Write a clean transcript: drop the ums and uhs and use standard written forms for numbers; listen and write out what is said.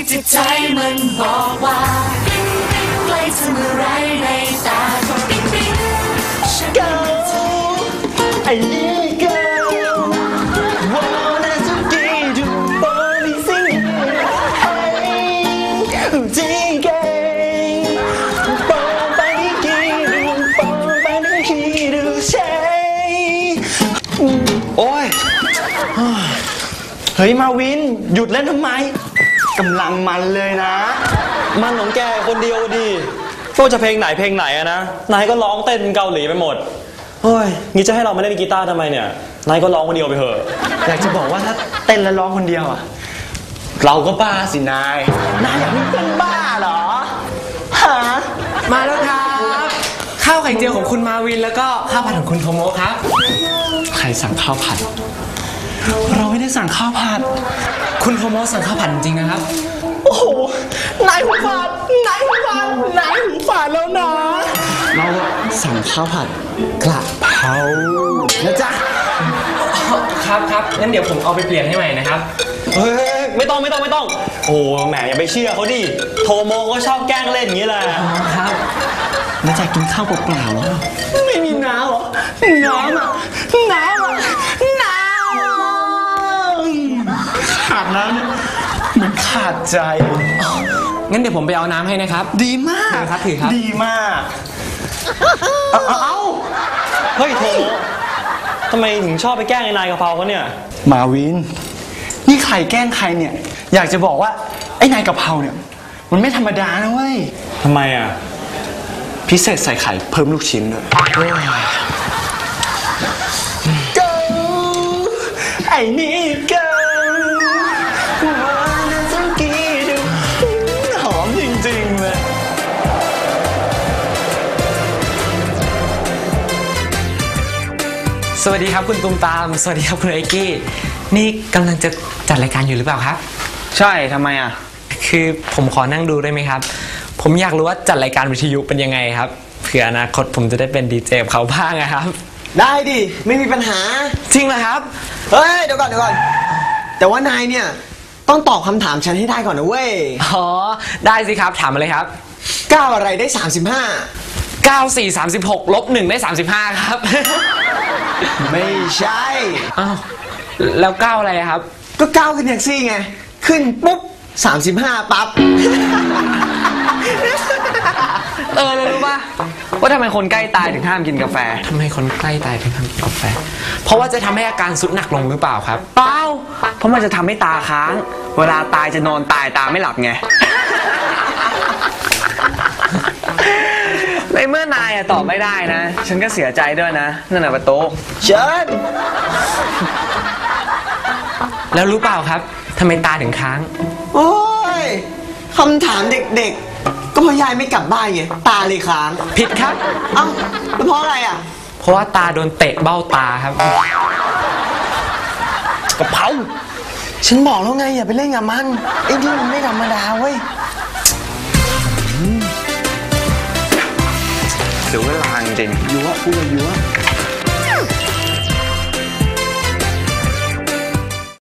ที่ใจมันบอกว่าปิ๊งปิ๊งใกล้เธอเมื่อไรในตาก็ปิ๊งปิ๊งฉันก็ไอ้นี่ก็wanna to get you body sing hey jingay bong body kidu bong body kidu say โอ้ยเฮ้ยมาวินหยุดเล่นทำไมกำลังมันเลยนะมันของแกคนเดียวดิก็จะเพลงไหนอะนะนายก็ร้องเต้นเกาหลีไปหมดเฮ้ยงี้จะให้เรามาเล่นกีตาร์ทำไมเนี่ยนายก็ร้องคนเดียวไปเถอะอยากจะบอกว่าถ้าเต้นแล้วร้องคนเดียวอ่ะเราก็บ้าสินายอยากเป็นเพื่อนบ้าเหรอฮะมาแล้วครับข้าวไข่เจียวของคุณมาวินแล้วก็ข้าวผัดของคุณโทโมะครับใครสั่งข้าวผัดเราไม่ได้สั่งข้าวผัดคุณโทโมะสั่งข้าวผัดจริงนะครับโอ้โหนายหูฝาดแล้วนะเราสั่งข้าวผัดกระเพรานะจ๊ะครับงั้นเดี๋ยวผมเอาไปเปลี่ยนให้ใหม่นะครับเฮ้ยไม่ต้องโอ้แหมอย่าไปเชื่อเขาดิโทโมก็ชอบแกล้งเล่นอย่างนี้แหละครับแล้วจะกินข้าวเปล่าๆไม่มีน้ำเหรอน้ำขาดน้ำเนี่ยมันขาดใจงั้นเดี๋ยวผมไปเอาน้ำให้นะครับดีมากถือครับดีมากเฮ้ยโทโมทำไมถึงชอบไปแกล้งไอ้นายกะเพราเขาเนี่ยมาวินนี่ใครแกล้งใครเนี่ยอยากจะบอกว่าไอ้นายกะเพราเนี่ยมันไม่ธรรมดานะเว้ยทำไมอ่ะพิเศษใส่ไข่เพิ่มลูกชิ้นด้วยไอ้นี่ก็หอมจริงๆเลยสวัสดีครับคุณตุ้มตามสวัสดีครับคุณไอกี้นี่กำลังจะจัดรายการอยู่หรือเปล่าครับใช่ทำไมอ่ะคือผมขอนั่งดูได้ไหมครับผมอยากรู้ว่าจัดรายการวิทยุเป็นยังไงครับเผื่ออนาคตผมจะได้เป็นดีเจกับเขาบ้างนะครับได้ดิไม่มีปัญหาจริงเหรอครับเฮ้ยเดี๋ยวก่อนแต่ว่านายเนี่ยต้องตอบคำถามฉันให้ได้ก่อนนะเว้ยอ๋อได้สิครับถามมาเลยครับ 9อะไรได้35 9 4 36ลบ1ได้35ครับไม่ใช่อ้าวแล้ว9อะไรครับก็9ขึ้นแท็กซี่ไงขึ้นปุ๊บ35ปั๊บเลยรู้ป่ะว่าทำไมคนใกล้ตายถึงห้ามกินกาแฟทำไมคนใกล้ตายถึงห้ามกินกาแฟเพราะว่าจะทำให้อาการสุดหนักลงหรือเปล่าครับเปล่าเพราะมันจะทำให้ตาค้างเวลาตายจะนอนตายตาไม่หลับไงในเมื่อนายตอบไม่ได้นะฉันก็เสียใจด้วยนะนั่นแหละประตูเชิญแล้วรู้เปล่าครับทำไมตาถึงค้างโอ้ยคำถามเด็กๆก็เพราะยายไม่กลับบ้านไงตาเลยค้างผิดครับเอ้าแล้วเพราะอะไรอ่ะเพราะว่าตาโดนเตะเบ้าตาครับกระเพราฉันบอกแล้วไงอย่าไปเล่นกับมันไอ้นี่มันไม่ธรรมดาเว้ยเสียเวลาจริงยั่วพูดยั่ว